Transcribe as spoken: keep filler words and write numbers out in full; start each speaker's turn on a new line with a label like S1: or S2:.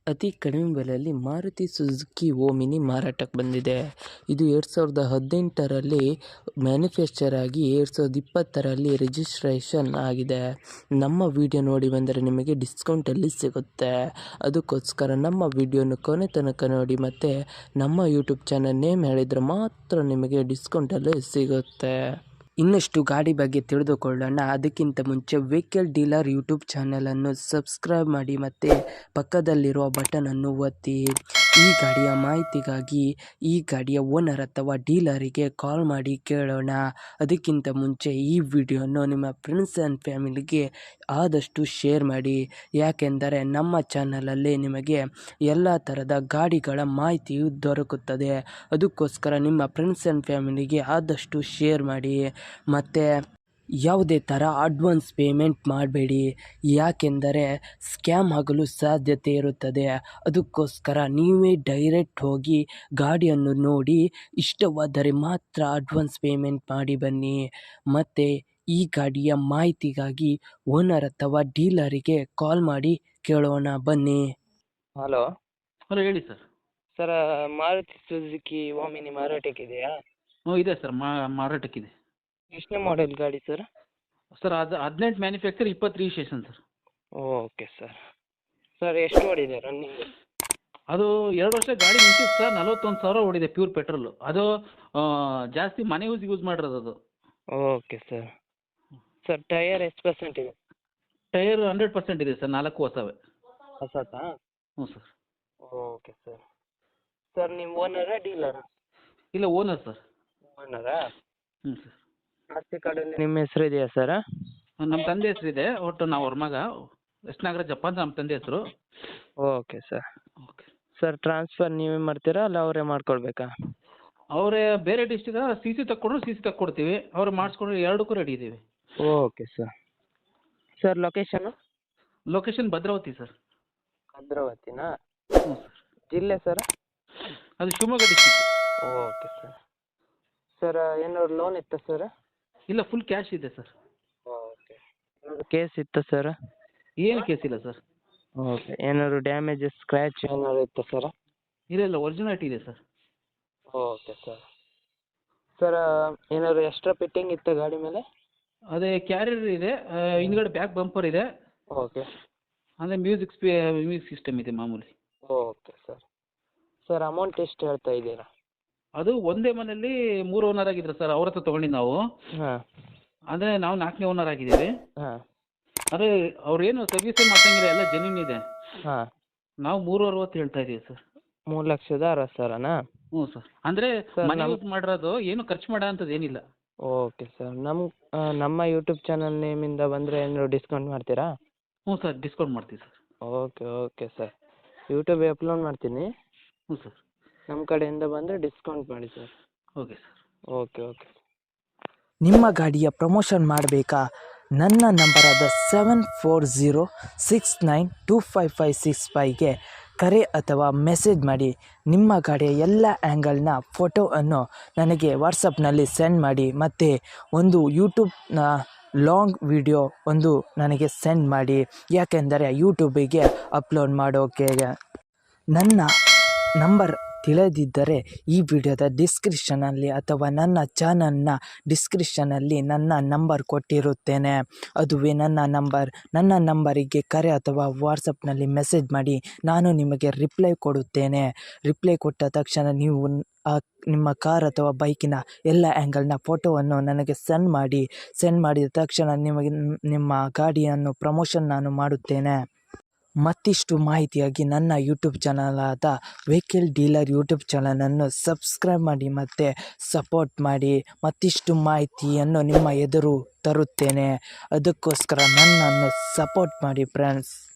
S1: ಅತಿ ಕಡಿಮೆ ಬೆಲೆಯಲ್ಲಿ ಮಾರುತಿ ಸುಜುಕಿ ಓಮಿನಿ ಮಾರಾಟಕ್ಕೆ ಬಂದಿದೆ. ಇದು ಎರಡು ಸಾವಿರದ ಹದಿನೆಂಟರಲ್ಲಿ ಮ್ಯಾನುಫ್ಯಾಕ್ಚರ್ ಆಗಿ ಎರಡು ಸಾವಿರದ ಇಪ್ಪತ್ತರಲ್ಲಿ ರಿಜಿಸ್ಟ್ರೇಷನ್ ಆಗಿದೆ. ನಮ್ಮ ವಿಡಿಯೋ ನೋಡಿ ಬಂದರೆ ನಿಮಗೆ ಡಿಸ್ಕೌಂಟಲ್ಲಿ ಸಿಗುತ್ತೆ. ಅದಕ್ಕೋಸ್ಕರ ನಮ್ಮ ವಿಡಿಯೋನ ಕೊನೆ ತನಕ ನೋಡಿ ಮತ್ತು ನಮ್ಮ ಯೂಟ್ಯೂಬ್ ಚಾನಲ್ ನೇಮ್ ಹೇಳಿದರೆ ಮಾತ್ರ ನಿಮಗೆ ಡಿಸ್ಕೌಂಟಲ್ಲಿ ಸಿಗುತ್ತೆ. ಇನ್ನಷ್ಟು ಗಾಡಿ ಬಗ್ಗೆ ತಿಳಿದುಕೊಳ್ಳೋಣ. ಅದಕ್ಕಿಂತ ಮುಂಚೆ ವೆಹಿಕಲ್ ಡೀಲರ್ ಯೂಟ್ಯೂಬ್ ಚಾನಲನ್ನು ಸಬ್ಸ್ಕ್ರೈಬ್ ಮಾಡಿ ಮತ್ತು ಪಕ್ಕದಲ್ಲಿರುವ ಬಟನನ್ನು ಒತ್ತಿ. ಈ ಗಾಡಿಯ ಮಾಹಿತಿಗಾಗಿ ಈ ಗಾಡಿಯ ಓನರ್ ಅಥವಾ ಡೀಲರಿಗೆ ಕಾಲ್ ಮಾಡಿ ಕೇಳೋಣ. ಅದಕ್ಕಿಂತ ಮುಂಚೆ ಈ ವಿಡಿಯೋನ ನಿಮ್ಮ ಫ್ರೆಂಡ್ಸ್ ಆ್ಯಂಡ್ ಫ್ಯಾಮಿಲಿಗೆ ಆದಷ್ಟು ಶೇರ್ ಮಾಡಿ, ಯಾಕೆಂದರೆ ನಮ್ಮ ಚಾನಲಲ್ಲಿ ನಿಮಗೆ ಎಲ್ಲ ಥರದ ಗಾಡಿಗಳ ಮಾಹಿತಿಯು ದೊರಕುತ್ತದೆ. ಅದಕ್ಕೋಸ್ಕರ ನಿಮ್ಮ ಫ್ರೆಂಡ್ಸ್ ಆ್ಯಂಡ್ ಫ್ಯಾಮಿಲಿಗೆ ಆದಷ್ಟು ಶೇರ್ ಮಾಡಿ. ಮತ್ತು ಯಾವುದೇ ಥರ ಅಡ್ವಾನ್ಸ್ ಪೇಮೆಂಟ್ ಮಾಡಬೇಡಿ, ಯಾಕೆಂದರೆ ಸ್ಕ್ಯಾಮ್ ಆಗಲು ಸಾಧ್ಯತೆ ಇರುತ್ತದೆ. ಅದಕ್ಕೋಸ್ಕರ ನೀವೇ ಡೈರೆಕ್ಟ್ ಹೋಗಿ ಗಾಡಿಯನ್ನು ನೋಡಿ ಇಷ್ಟವಾದರೆ ಮಾತ್ರ ಅಡ್ವಾನ್ಸ್ ಪೇಮೆಂಟ್ ಮಾಡಿ ಬನ್ನಿ. ಮತ್ತು ಈ ಗಾಡಿಯ ಮಾಹಿತಿಗಾಗಿ ಓನರ್ ಅಥವಾ ಡೀಲರಿಗೆ ಕಾಲ್ ಮಾಡಿ ಕೇಳೋಣ ಬನ್ನಿ. ಹಲೋ
S2: ಹಲೋ ಹೇಳಿ sir.
S1: Sir, Maruti Suzuki omni ಮಾರಾಟಕ್ಕಿದೆಯಾ?
S2: ಹ್ಞೂ ಇದೆ ಸರ್, ಮಾ ಮಾರಾಟಕ್ಕಿದೆ.
S1: ಎಷ್ಟನೇ ಮಾಡೆಲ್ ಗಾಡಿ ಸರ್?
S2: ಸರ್ ಅದು ಹದಿನೆಂಟು ಮ್ಯಾನುಫ್ಯಾಕ್ಚರ್, ಇಪ್ಪತ್ತು registration sir.
S1: Okay sir. Sir ಎಷ್ಟು ಓಡಿದೆ ರನ್ನಿಂಗ್?
S2: ಅದು ಎರಡು ವರ್ಷ ಗಾಡಿ ನಿಂತಿತ್ತು ಸರ್, ನಲವತ್ತೊಂದು ಸಾವಿರ ಓಡಿದೆ ಪ್ಯೂರ್ ಪೆಟ್ರೋಲು. ಅದು ಜಾಸ್ತಿ ಮನೆ ಯೂಸ್ ಯೂಸ್ ಮಾಡಿರೋದು ಅದು.
S1: Okay sir. ಸರ್ ಟೈಯರ್ ಎಷ್ಟು ಪರ್ಸೆಂಟ್ ಇದೆ?
S2: ಟೈರ್ ಹಂಡ್ರೆಡ್ ಪರ್ಸೆಂಟ್ ಇದೆ ಸರ್, ನಾಲ್ಕು ಹೊಸವೇ.
S1: ಹೊಸತಾ?
S2: ಹ್ಞೂ ಸರ್.
S1: Okay sir. ಸರ್ ನೀವು ಓನರಾ ಡೀಲರಾ?
S2: ಇಲ್ಲ, ಓನರ್ ಸರ್.
S1: ಓನರಾ?
S2: ಹ್ಞೂ ಸರ್.
S1: ಆಸ್ತಿ ಕಾರ್ಡಲ್ಲಿ ನಿಮ್ಮ ಹೆಸರು ಇದೆಯಾ ಸರ್?
S2: ನಮ್ಮ ತಂದೆ ಹೆಸರಿದೆ, ಒಟ್ಟು ನಾವು ಅವ್ರ ಮಗ. ಎಸ್ ನಾಗರಾಜಪ್ಪ ಅಂತ ನಮ್ಮ ತಂದೆ ಹೆಸರು.
S1: Okay sir.
S2: Okay
S1: sir transfer ನೀವೇ ಮಾಡ್ತೀರಾ ಅಲ್ಲ ಅವರೇ ಮಾಡ್ಕೊಳ್ಬೇಕಾ?
S2: ಅವರೇ ಬೇರೆ ಡಿಸ್ಟಿಕ್ ಸಿ ಸಿ ತಕ್ಕೊಂಡ್ರು ಸಿ ಸಿ ತಕ್ಕೊಡ್ತೀವಿ, ಅವ್ರು ಮಾಡಿಸ್ಕೊಂಡ್ರೆ ಎರಡಕ್ಕೂ ರೆಡಿ ಇದ್ದೀವಿ.
S1: Okay sir. Sir location?
S2: Location Bhadravati sir.
S1: ಭದ್ರಾವತಿನಾ?
S2: ಹ್ಞೂ ಸರ್.
S1: ಜಿಲ್ಲೆ ಸರ್?
S2: ಅದು Shivamogga district.
S1: Okay sir. Sir ಏನಾದ್ರು ಲೋನ್ ಇತ್ತಾ ಸರ್?
S2: ಇಲ್ಲ, ಫುಲ್ ಕ್ಯಾಶ್ ಇದೆ ಸರ್.
S1: ಓಕೆ. ಕೇಸ್ ಇತ್ತಾ ಸರ್?
S2: ಏನು ಕೇಸ್ ಇಲ್ಲ ಸರ್.
S1: ಓಕೆ. ಏನಾದ್ರು ಡ್ಯಾಮೇಜಸ್ ಸ್ಕ್ರ್ಯಾಚ್ ಏನಾದ್ರು ಇತ್ತಾ ಸರ್?
S2: ಇಲ್ಲ ಇಲ್ಲ, ಒರಿಜಿನಾಲಿಟಿ ಇದೆ ಸರ್.
S1: Okay sir. ಸರ್ ಏನಾದ್ರು ಎಕ್ಸ್ಟ್ರಾ ಫಿಟ್ಟಿಂಗ್ ಇತ್ತಾ ಗಾಡಿ ಮೇಲೆ?
S2: ಅದೇ ಕ್ಯಾರಿಯರ್ ಇದೆ, ಆ, ಹಿಂದ್ಗಡೆ ಬ್ಯಾಕ್ ಬಂಪರ್ ಇದೆ.
S1: ಓಕೆ.
S2: ಅಂದರೆ ಮ್ಯೂಸಿಕ್ ಸ್ಪೀ ಮ್ಯೂಸಿಕ್ ಸಿಸ್ಟಮ್ ಇದೆ ಮಾಮೂಲಿ.
S1: Okay sir. ಸರ್ ಅಮೌಂಟ್ ಎಷ್ಟು ಹೇಳ್ತಾ ಇದ್ದೀರಾ?
S2: ಅದು ಒಂದೇ ಮನೆಯಲ್ಲಿ ಮೂರು ಓನರ್ ಆಗಿದ್ರು ಸರ್, ಅವ್ರ ಹತ್ರ ತೊಗೊಂಡಿದ್ದು ನಾವು.
S1: ಹಾಂ
S2: ಅಂದರೆ ನಾವು ನಾಲ್ಕನೇ ಓನರ್ ಆಗಿದ್ದೀವಿ.
S1: ಹಾಂ
S2: ಅದೇ ಅವ್ರೇನು ಸರ್ವಿಸೇ ಮಾಡ್ತಂಗಿಲ್ಲ, ಎಲ್ಲ ಜೆನ್ಯೂನ್ ಇದೆ.
S1: ಹಾಂ.
S2: ನಾವು ಮೂರು ಅರವತ್ತು ಹೇಳ್ತಾ ಇದ್ದೀವಿ ಸರ್.
S1: ಮೂರು ಲಕ್ಷದ ಅರವತ್ತು ಸಾವಿರನಾ?
S2: ಹ್ಞೂ ಸರ್. ಅಂದರೆ
S1: ಸರ್,
S2: ಮನೆ
S1: ನಮ್ಮ-
S2: ಯೂಸ್ ಮಾಡಿರೋದು, ಏನು ಖರ್ಚು ಮಾಡೋ ಅಂಥದ್ದು ಏನಿಲ್ಲ.
S1: Okay sir. ನಮ್ಮ ನಮ್ಮ ಯೂಟ್ಯೂಬ್ ಚಾನಲ್ ನೇಮಿಂದ ಬಂದರೆ ಏನಾದ್ರು ಡಿಸ್ಕೌಂಟ್ ಮಾಡ್ತೀರಾ?
S2: ಹ್ಞೂ ಸರ್, ಡಿಸ್ಕೌಂಟ್ ಮಾಡ್ತೀವಿ ಸರ್.
S1: Okay okay sir. ಯೂಟ್ಯೂಬಿಗೆ ಅಪ್ಲೋಡ್ ಮಾಡ್ತೀನಿ,
S2: ಹ್ಞೂ ಸರ್.
S1: ನಮ್ಮ ಕಡೆಯಿಂದ ಬಂದರೆ ಡಿಸ್ಕೌಂಟ್ ಮಾಡಿ sir.
S2: Okay sir.
S1: Okay okay.
S3: ನಿಮ್ಮ ಗಾಡಿಯ ಪ್ರಮೋಷನ್ ಮಾಡಬೇಕಾ? ನನ್ನ ನಂಬರಾದ seven four zero six nine two five five six ಫೈವ್ಗೆ ಕರೆ ಅಥವಾ ಮೆಸೇಜ್ ಮಾಡಿ. ನಿಮ್ಮ ಗಾಡಿಯ ಎಲ್ಲ ಆ್ಯಂಗಲ್ನ ಫೋಟೋವನ್ನು ನನಗೆ ವಾಟ್ಸಪ್ನಲ್ಲಿ ಸೆಂಡ್ ಮಾಡಿ ಮತ್ತು ಒಂದು ಯೂಟ್ಯೂಬ್ನ ಲಾಂಗ್ ವಿಡಿಯೋ ಒಂದು ನನಗೆ ಸೆಂಡ್ ಮಾಡಿ, ಯಾಕೆಂದರೆ ಯೂಟ್ಯೂಬಿಗೆ ಅಪ್ಲೋಡ್ ಮಾಡೋಕೆ. ನನ್ನ ನಂಬರ್ ತಿಳಿದಿದ್ದರೆ ಈ ವಿಡಿಯೋದ ಡಿಸ್ಕ್ರಿಪ್ಷನಲ್ಲಿ ಅಥವಾ ನನ್ನ ಚಾನಲ್ನ ಡಿಸ್ಕ್ರಿಪ್ಷನಲ್ಲಿ ನನ್ನ ನಂಬರ್ ಕೊಟ್ಟಿರುತ್ತೇನೆ. ಅದುವೇ ನನ್ನ ನಂಬರ್. ನನ್ನ ನಂಬರಿಗೆ ಕರೆ ಅಥವಾ ವಾಟ್ಸಪ್ನಲ್ಲಿ ಮೆಸೇಜ್ ಮಾಡಿ, ನಾನು ನಿಮಗೆ ರಿಪ್ಲೈ ಕೊಡುತ್ತೇನೆ. ರಿಪ್ಲೈ ಕೊಟ್ಟ ತಕ್ಷಣ ನೀವು ಆ ನಿಮ್ಮ ಕಾರ್ ಅಥವಾ ಬೈಕಿನ ಎಲ್ಲ ಆ್ಯಂಗಲ್ನ ಫೋಟೋವನ್ನು ನನಗೆ ಸೆಂಡ್ ಮಾಡಿ. ಸೆಂಡ್ ಮಾಡಿದ ತಕ್ಷಣ ನಿಮಗೆ ನಿಮ್ಮ ಗಾಡಿಯನ್ನು ಪ್ರಮೋಷನ್ ನಾನು ಮಾಡುತ್ತೇನೆ. ಮತ್ತಿಷ್ಟು ಮಾಹಿತಿಯಾಗಿ ನನ್ನ ಯೂಟ್ಯೂಬ್ ಚಾನಲಾದ ವೆಹಿಕಲ್ ಡೀಲರ್ ಯೂಟ್ಯೂಬ್ ಚಾನಲನ್ನು ಸಬ್ಸ್ಕ್ರೈಬ್ ಮಾಡಿ ಮತ್ತು ಸಪೋರ್ಟ್ ಮಾಡಿ. ಮತ್ತಿಷ್ಟು ಮಾಹಿತಿಯನ್ನು ನಿಮ್ಮ ಎದುರು ತರುತ್ತೇನೆ. ಅದಕ್ಕೋಸ್ಕರ ನನ್ನನ್ನು ಸಪೋರ್ಟ್ ಮಾಡಿ ಫ್ರೆಂಡ್ಸ್.